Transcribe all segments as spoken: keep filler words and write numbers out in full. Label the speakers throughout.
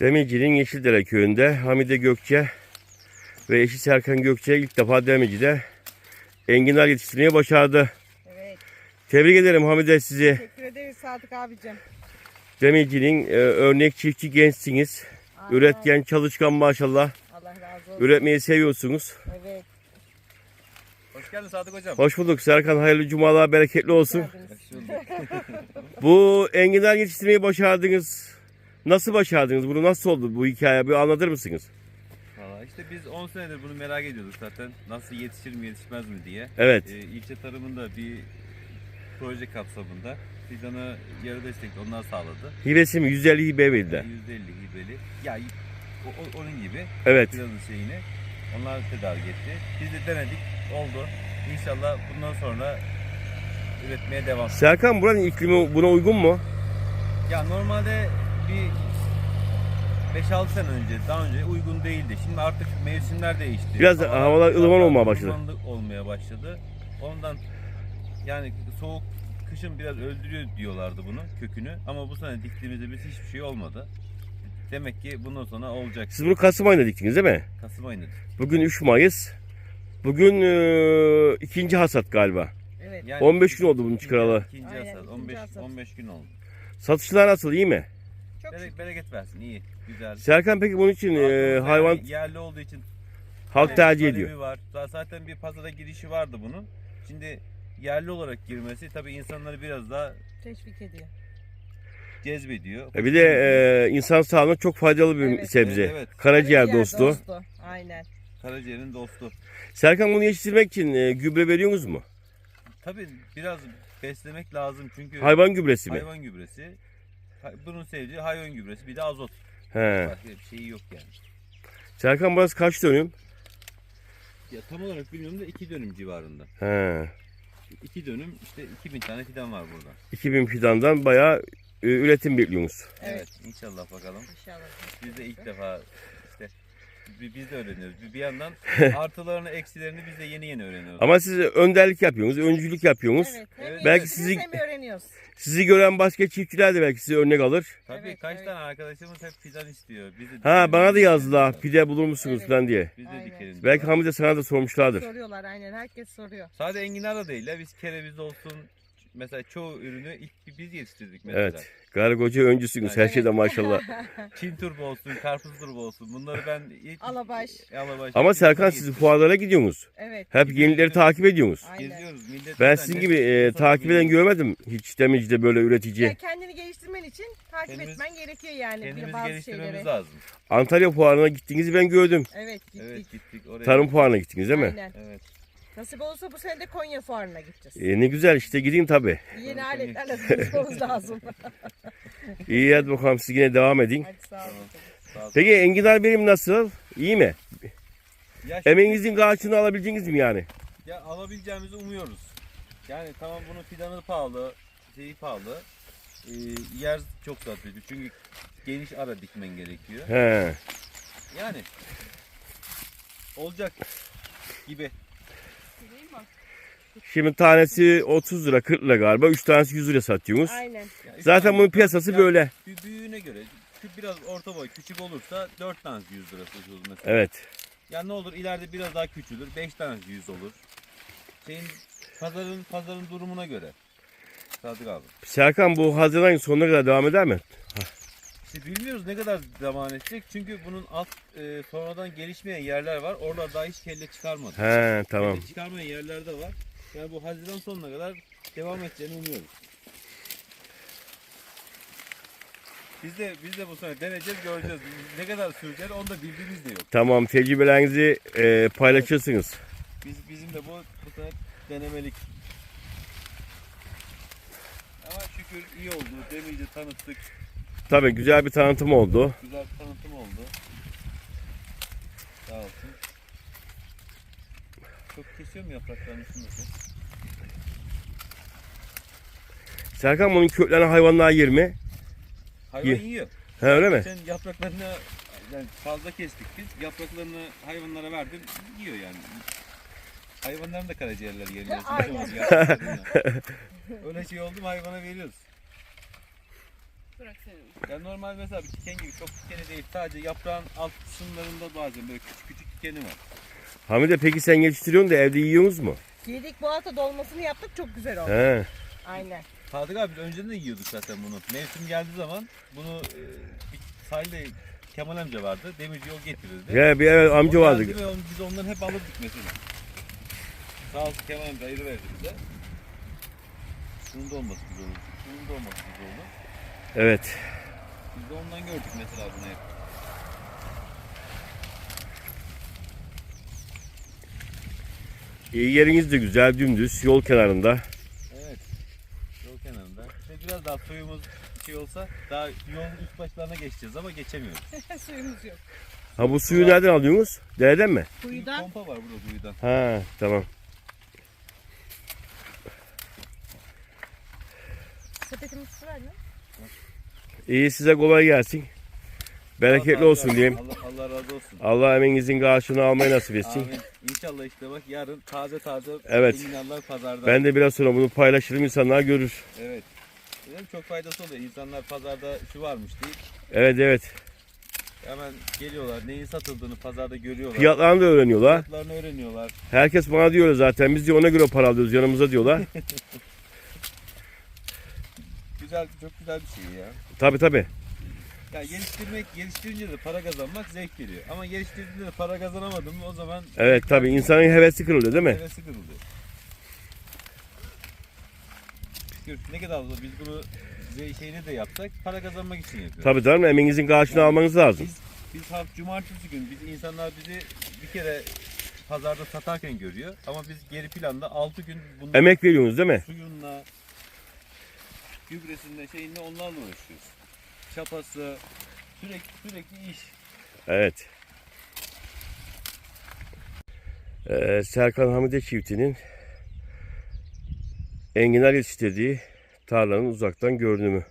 Speaker 1: Demirci'nin Yeşildere köyünde Hamide Gökçe ve eşi Serkan Gökçe ilk defa Demirci'de enginar yetiştirmeyi başardı.
Speaker 2: Evet.
Speaker 1: Tebrik ederim Hamide sizi.
Speaker 2: Teşekkür ederiz Sadık abicim.
Speaker 1: Demirci'nin e, örnek çiftçi gençsiniz.
Speaker 2: Aynen.
Speaker 1: Üretken, çalışkan maşallah.
Speaker 2: Allah razı olsun.
Speaker 1: Üretmeyi seviyorsunuz.
Speaker 2: Evet.
Speaker 3: Hoş geldin Sadık hocam.
Speaker 1: Hoş bulduk Serkan. Hayırlı cumalar, bereketli olsun.
Speaker 2: Geldiniz.
Speaker 1: Bu enginar yetiştirmeyi başardınız. Nasıl başardınız? Bunu nasıl oldu bu hikaye? Bir anlatır mısınız?
Speaker 3: Valla işte biz on senedir bunu merak ediyorduk zaten. Nasıl yetişir mi yetişmez mi diye.
Speaker 1: Evet.
Speaker 3: Ee, ilçe tarımında bir proje kapsamında fidanı yarı destekli onlar sağladı.
Speaker 1: Hibesi mi? yüz elli hibe verdi.
Speaker 3: yüzde elli hibeli. Ya o, o- onun gibi
Speaker 1: Evet.
Speaker 3: fidanın şeyini onlar tedarik etti. Biz de denedik. Oldu. İnşallah bundan sonra üretmeye devam.
Speaker 1: Serkan, buranın iklimi buna uygun mu?
Speaker 3: Ya normalde bir beş altı sene önce, daha önce uygun değildi. Şimdi artık mevsimler değişti.
Speaker 1: Biraz havalar ılıman
Speaker 3: daha
Speaker 1: olmaya başladı.
Speaker 3: ılımanlık olmaya başladı. Ondan yani soğuk kışın biraz öldürüyor diyorlardı bunu, kökünü. Ama bu sene diktiğimizde biz hiçbir şey olmadı. Demek ki bundan sonra olacak.
Speaker 1: Siz bunu Kasım ayında diktiniz değil mi?
Speaker 3: Kasım ayında.
Speaker 1: Bugün üç Mayıs. Bugün e, ikinci hasat galiba.
Speaker 2: Evet.
Speaker 3: Yani
Speaker 1: on beş gün oldu bunun
Speaker 3: ikinci-
Speaker 1: çıkaralı.
Speaker 3: İkinci
Speaker 2: Aynen,
Speaker 3: hasat.
Speaker 2: ikinci
Speaker 3: on beş
Speaker 2: hasat.
Speaker 3: on beş gün oldu.
Speaker 1: Satışlar nasıl, iyi mi?
Speaker 2: Çok
Speaker 3: Bere-
Speaker 2: şükür.
Speaker 3: bereket versin, iyi, güzel.
Speaker 1: Serkan, peki bunun için e,
Speaker 3: Yani
Speaker 1: hayvan
Speaker 3: yerli olduğu için
Speaker 1: halk tercih
Speaker 3: talebi
Speaker 1: ediyor.
Speaker 3: var. Zaten bir pazara girişi vardı bunun. Şimdi yerli olarak girmesi tabii insanları biraz daha
Speaker 2: Teşvik ediyor.
Speaker 3: cezbediyor.
Speaker 1: E, bir de e, insan sağlığına çok faydalı bir
Speaker 2: Evet,
Speaker 1: sebze.
Speaker 3: evet, evet.
Speaker 1: Karaciğer
Speaker 2: Karaciğer
Speaker 1: dostu.
Speaker 2: Aynen.
Speaker 3: Karaciğerin dostu.
Speaker 1: Serkan, bunu yetiştirmek için e, gübre veriyorsunuz mu?
Speaker 3: Tabii biraz beslemek lazım çünkü
Speaker 1: Hayvan gübresi mi?
Speaker 3: hayvan gübresi. Ha- Bunun sevdiği hayvan gübresi, bir de azot.
Speaker 1: He.
Speaker 3: Başka bir şeyi yok yani.
Speaker 1: Serkan, burası kaç dönüm?
Speaker 3: Ya tam olarak bilmiyorum da iki dönüm civarında.
Speaker 1: He.
Speaker 3: iki dönüm işte iki bin tane fidan var burada.
Speaker 1: iki bin fidandan bayağı e, üretim bekliyorsunuz.
Speaker 2: Evet.
Speaker 3: Evet, inşallah bakalım.
Speaker 2: İnşallah.
Speaker 3: Biz de ilk defa işte bi- biz de öğreniyoruz. Bir bir yandan artılarını, eksilerini biz de yeni yeni öğreniyoruz.
Speaker 1: Ama siz önderlik yapıyorsunuz, öncülük yapıyorsunuz.
Speaker 2: Evet. Hem
Speaker 3: Evet.
Speaker 1: Belki
Speaker 2: yetiştiriyoruz
Speaker 1: sizi-
Speaker 2: hem öğreniyoruz.
Speaker 1: Sizi gören başka çiftçiler de belki size örnek alır.
Speaker 3: Tabii
Speaker 2: Evet,
Speaker 3: kaç
Speaker 2: evet.
Speaker 3: tane arkadaşımız hep fidan istiyor. Biz de
Speaker 1: Ha,
Speaker 3: dikelim,
Speaker 1: bana da
Speaker 3: biz de
Speaker 1: yazdılar,
Speaker 3: dikelim.
Speaker 1: pide bulur musunuz
Speaker 2: Evet.
Speaker 1: falan diye.
Speaker 3: Biz de
Speaker 2: Aynen.
Speaker 3: dikelim.
Speaker 1: Belki
Speaker 3: diyorlar.
Speaker 1: Hamide sana da sormuşlardır.
Speaker 2: Soruyorlar aynen. Herkes soruyor.
Speaker 3: Sadece enginar da değil ya. Biz kereviz olsun. Mesela çoğu ürünü ilk biz yetiştirdik mesela.
Speaker 1: Evet. Gargoca öncüsünüz her
Speaker 3: Evet.
Speaker 1: şeyde maşallah.
Speaker 3: Çin turbo olsun, karpuz turbo olsun. Bunları ben ilk...
Speaker 2: Alabaş.
Speaker 3: Alabaş.
Speaker 1: Ama
Speaker 3: ilk
Speaker 1: Serkan,
Speaker 3: biz
Speaker 1: siz
Speaker 3: yetiştirdik.
Speaker 1: fuarlara gidiyorsunuz.
Speaker 2: Evet.
Speaker 1: Hep yenileri takip ediyorsunuz.
Speaker 2: Aynen.
Speaker 3: Geziyoruz. Millet
Speaker 1: Ben
Speaker 3: zaten
Speaker 1: sizin
Speaker 3: ne-
Speaker 1: gibi e,
Speaker 3: nasıl
Speaker 1: takip eden
Speaker 3: biliyor?
Speaker 1: görmedim hiç Demirci'de böyle
Speaker 2: Ya
Speaker 1: üretici.
Speaker 2: kendini geliştirmen için takip
Speaker 3: Kendimiz-
Speaker 2: etmen gerekiyor yani bir
Speaker 3: Kendimizi
Speaker 2: bazı
Speaker 3: geliştirmemiz
Speaker 2: şeyleri.
Speaker 3: lazım.
Speaker 1: Antalya fuarına gittiğinizi ben gördüm.
Speaker 2: Evet gittik.
Speaker 3: Evet gittik oraya.
Speaker 1: Tarım fuarına gittiniz değil mi?
Speaker 2: Aynen.
Speaker 3: Evet.
Speaker 2: Nasip olursa bu sene de Konya fuarına gideceğiz.
Speaker 1: E, ne güzel işte, gideyim tabii.
Speaker 2: Yeni
Speaker 3: Konya.
Speaker 2: aletlerle tanışmamız lazım.
Speaker 1: İyi, hadi bakalım, siz yine devam edin.
Speaker 2: Hadi sağ olun.
Speaker 3: Sağ olsun.
Speaker 1: Peki enginar benim nasıl? İyi mi?
Speaker 3: Ya şimdi-
Speaker 1: Emeğinizin karşılığını alabileceğiniz mi yani?
Speaker 3: Ya alabileceğimizi umuyoruz. Yani tamam bunun fidanı pahalı, şeyi pahalı. Ee, yer çok zor çünkü geniş ara dikmen gerekiyor.
Speaker 1: He.
Speaker 3: Yani olacak gibi.
Speaker 1: Şimdi tanesi otuz lira, kırk lira galiba. üç tanesi yüz lira satıyorsunuz.
Speaker 2: Aynen.
Speaker 3: Ya üç
Speaker 1: Zaten
Speaker 3: tane
Speaker 1: bunun piyasası
Speaker 3: ya
Speaker 1: böyle.
Speaker 3: bü- Büyüğüne göre kü- biraz orta boy küçük olursa dört tanesi yüz lira satıyoruz mesela.
Speaker 1: Evet.
Speaker 3: Ya ne olur ileride biraz daha küçülür. beş tanesi yüz olur. Şeyin pazarın pazarın durumuna göre. Sadık abi.
Speaker 1: Serkan, bu Haziran ayının sonuna kadar devam eder mi?
Speaker 3: İşte bilmiyoruz ne kadar devam edecek. Çünkü bunun alt e, sonradan gelişmeyen yerler var. Orada daha hiç kelle çıkarmadı.
Speaker 1: He, tamam.
Speaker 3: Kelle çıkarmayan yerler de var. Yani bu Haziran sonuna kadar devam edeceğini umuyoruz. Biz de biz de bu sene deneyeceğiz, göreceğiz. Ne kadar süreceğini onu da bildiğimiz de yok.
Speaker 1: Tamam, tecrübelerinizi e, paylaşırsınız.
Speaker 3: Biz bizim de bu bu sene denemelik. Ama şükür iyi oldu. Demirci tanıttık.
Speaker 1: Tabii güzel bir tanıtım oldu.
Speaker 3: Güzel bir tanıtım oldu. Sağ olsun. Çok kesiyor mu yapraklarını şunu?
Speaker 1: Serkan, bunun köklerini hayvanlar yer mi?
Speaker 3: Hayvan
Speaker 1: Ye-
Speaker 3: yiyor.
Speaker 1: He, öyle mi?
Speaker 3: Sen yapraklarını yani fazla kestik biz. Yapraklarını hayvanlara verdim. Yiyor yani. Hayvanların da karaciğerleri yeniyor.
Speaker 2: Aynen.
Speaker 3: Yapraklarını. Öyle şey oldu mu hayvana veriyoruz.
Speaker 4: Bırak senin.
Speaker 3: Ya normal mesela bir diken gibi çok dikeni değil. Sadece yaprağın alt kısımlarında bazen böyle küçük küçük dikeni var.
Speaker 1: Hamide peki sen yetiştiriyorsun da evde yiyorsunuz mu?
Speaker 2: Yedik bu hafta dolmasını yaptık çok güzel oldu.
Speaker 1: He.
Speaker 2: Aynen.
Speaker 3: Sadık abi biz önceden de yiyorduk zaten bunu. Mevsim geldiği zaman bunu e, bir sahilde Kemal amca vardı. Demirci yol getirirdi.
Speaker 1: Ya bir evet, amca
Speaker 3: O
Speaker 1: vardı.
Speaker 3: geldi ve onu- biz ondan hep alırdık mesela. Sağ olsun Kemal amca ayırı verdi bize. Şunun da olması güzel oldu. Şunun da olması güzel oldu.
Speaker 1: Evet.
Speaker 3: Biz de ondan gördük mesela bunu hep.
Speaker 1: İyi yeriniz de güzel, dümdüz, yol kenarında.
Speaker 3: Evet. Yol kenarında. İşte biraz daha suyumuz şey olsa daha yolun üst başlarına geçeceğiz ama geçemiyoruz.
Speaker 2: Suyumuz yok.
Speaker 1: Ha bu suyu nereden alıyorsunuz? Dereden mi?
Speaker 3: Bir
Speaker 2: Kuyudan
Speaker 3: pompa var burada kuyudan.
Speaker 1: Ha tamam.
Speaker 2: sepetimiz su var mı?
Speaker 1: İyi size kolay gelsin. Bereketli
Speaker 3: Allah
Speaker 1: olsun
Speaker 3: razı
Speaker 1: diyeyim.
Speaker 3: Allah, Allah razı olsun.
Speaker 1: Allah emeğinizin karşılığını almayı nasip etsin.
Speaker 3: Amin. İnşallah işte bak yarın taze taze
Speaker 1: Evet.
Speaker 3: enginarlar pazarda.
Speaker 1: Ben de biraz sonra bunu paylaşırım, insanlar görür.
Speaker 3: Evet. Dedim çok faydası oluyor. İnsanlar pazarda şu varmış deyip
Speaker 1: Evet evet.
Speaker 3: hemen geliyorlar. Neyin satıldığını pazarda görüyorlar.
Speaker 1: Fiyatlarını da öğreniyorlar.
Speaker 3: Fiyatlarını öğreniyorlar.
Speaker 1: Herkes bana diyor zaten, biz de ona göre para alıyoruz yanımıza diyorlar.
Speaker 3: Güzel, çok güzel bir şey ya.
Speaker 1: Tabi tabi.
Speaker 3: Ya geliştirmek, geliştirince de para kazanmak zevk veriyor. Ama geliştirdiğinde de para kazanamadın mı o zaman
Speaker 1: Evet tabi, insanın hevesi kırılıyor değil mi?
Speaker 3: hevesi kırılıyor. Şükür ne kadar olsa biz bunu ze- şeyini de yapsak para kazanmak için yapıyoruz.
Speaker 1: Tabi canım, emeğinizin karşılığını almanız lazım.
Speaker 3: Biz, biz hafta cumartesi gün biz insanlar bizi bir kere pazarda satarken görüyor ama biz geri planda altı gün bunun
Speaker 1: Emek veriyorsunuz değil mi?
Speaker 3: suyunla, gübresinde şeyinle onlarla uğraşıyoruz. Çapası, sürekli sürekli iş.
Speaker 1: Evet. Ee, Serkan Hamide çiftinin enginar yetiştirdiği tarlanın uzaktan görünümü.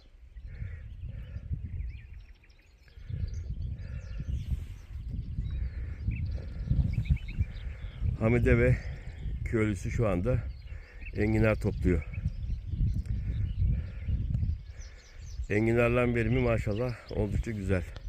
Speaker 1: Hamide ve köylüsü şu anda enginar topluyor. Enginarların verimi maşallah oldukça güzel.